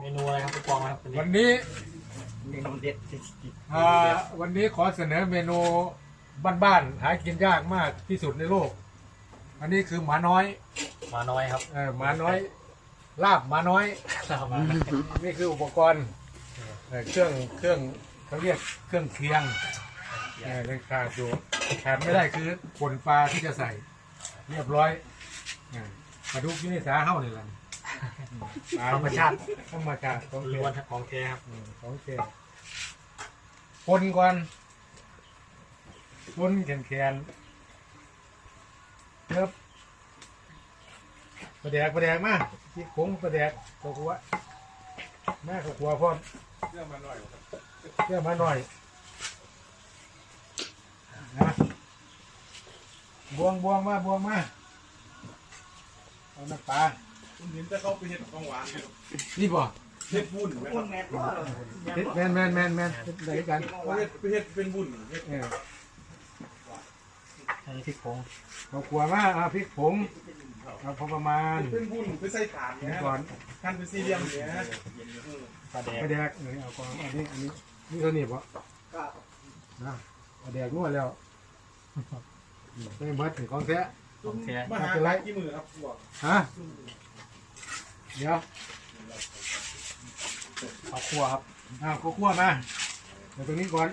นูอะไรครับผู้กองครับวันนี้เมนูเด็ดวันนี้ขอเสนอเมนูบ้านๆหากินยากมากที่สุดในโลกอันนี้คือหมาน้อยครับหมาน้อยลาบหมาน้อยนี่คืออุปกรณ์เครื่องเขาเรียกเครื่องเคียงยังขาดอยู่ขาดไม่ได้คือผลปลาที่จะใส่เรียบร้อยปลาดุกที่นี่สาเฮ้านี่แหละธรรมชาติของล้วนของแท้ครับของแท้คนก่อนคนแขนเริ่มประแดกมาที่ผงประแดกข้าวคั่วแม่ข้าวคั่วพร้อมเชื่อมาหน่อยนะบวงมาเอาน้ำปลาคุณเห็นแต่เขาไปเห็ดของหวานอยู่นี่บ่เห็ดบุญไหมครับแมนได้กันไปเห็ดเป็นบุญเห็ดใช้พริกผงข้าวคั่วมาพริกผงเอาพอประมาณเป็นบุญไปใส่ถาดเนี่ยก่อนท่านเป็นสี่เหลี่ยมเนี่ยประแดกนี่เอาก่อนอันนี้นี่เท่านี้บ่นะประแดกนวดแล้วไม่เบิดถึงของแท้มาหากี่มือครับพวกฮะเดี๋ยวข้าวคั่วครับข้าวคั่วมาเดี๋ยวตรงนี้ก่อน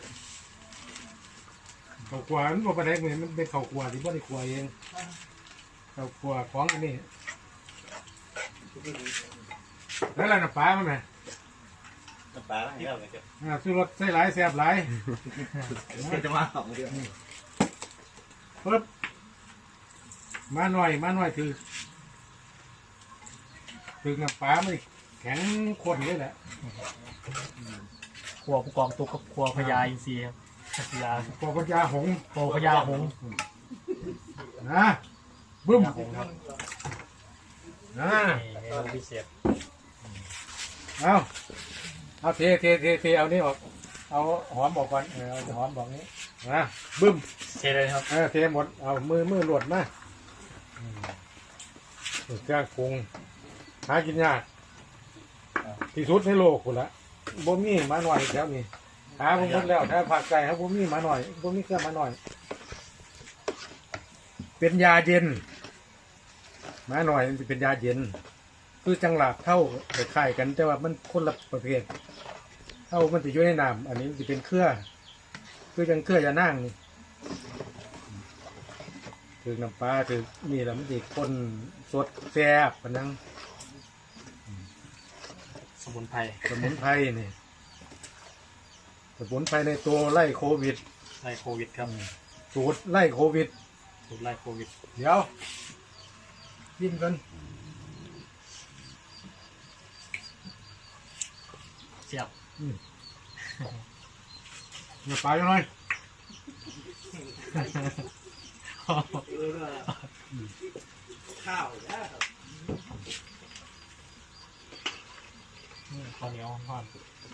ข้าวคั่วมันบ่ประแดกเหมือนมันเป็นข้าวคั่วที่บ่ได้คั่วเองข้าวคั่วของอันนี้แล้วอะไรน้ำปลามันไหมน้ำปลาอะไรครับสู้รสใส่หลายแซ่บหลายจะมาสองเดือนปึ๊บมาหน่อยคือน้ำปลาไม่แข็งข้นเลยแหละครัวผู้กองตุกกับครัวพญาอินทรีครับพญาพญาหงพญาหงนะบึ้มครับเมนูพิเศษเอาเทเอานี่ออกเอาหอมบอกก่อนเอาหอมบอกนี้นะบึ้มเทเลยครับเทหมดเอามือหลวดมาเครื่องปรุงหากินยากที่สุดในโลกคุณละบ่มีมาหน่อยแถวนี้หาผมหมดแล้วถ้าผักไก่ครับบ่มีมาหน่อยบ่มีเครื่องมาหน่อยเป็นยาเย็นมาหน่อยมันจะเป็นยาเย็นคือจังหลาบเท่าคล้ายกันแต่ว่ามันคนละประเภทเท่ามันจะอยู่ในน้ำอันนี้จะเป็นเครือคือจังเครือยานั่งนี่ถึงน้ำปลาถึงนี่แหละมันจะคนสดแซ่บปะนังสมุนไพรนี่สมุนไพรในตัวไล่โควิดครับสูตรไล่โควิดเดี๋ยวกินกันเสียบอย่าไปเลยข้าวข้าวเหนียวทอด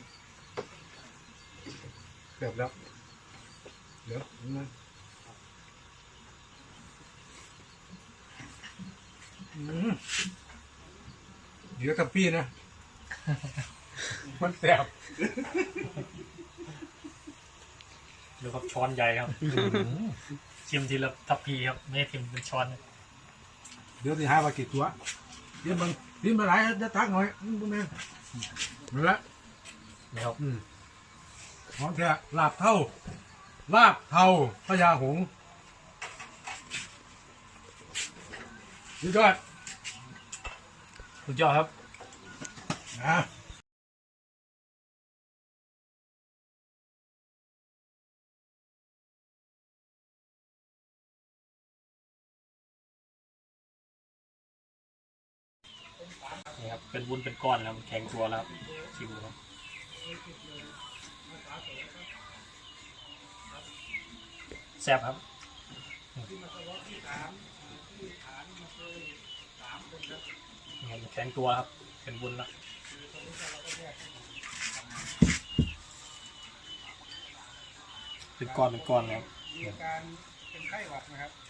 เกือบแล้วเดี๋ยวเดี๋ยวกับพี่นะมันแสบดูครับช้อนใหญ่ครับชิมทีละทัพพีครับไม่ชิมเป็นช้อนเดี๋ยวที่หาว่ากี่ตัวเดี๋ยวมันกินมาหลายจะทักหน่อยพวกนี้นั่นแหละนี่ครับของแท้ลาบเท่าพญาหงส์สุดยอดครับนี่ครับเป็นวุ้นเป็นก้อนแล้วมันแข็งตัวแล้วชิมดูครับแซ่บครับแข็งตัวครับเป็นวุ้นแล้วเป็นก้อนแล้วมีอาการเป็นไข้หวัดนะครับ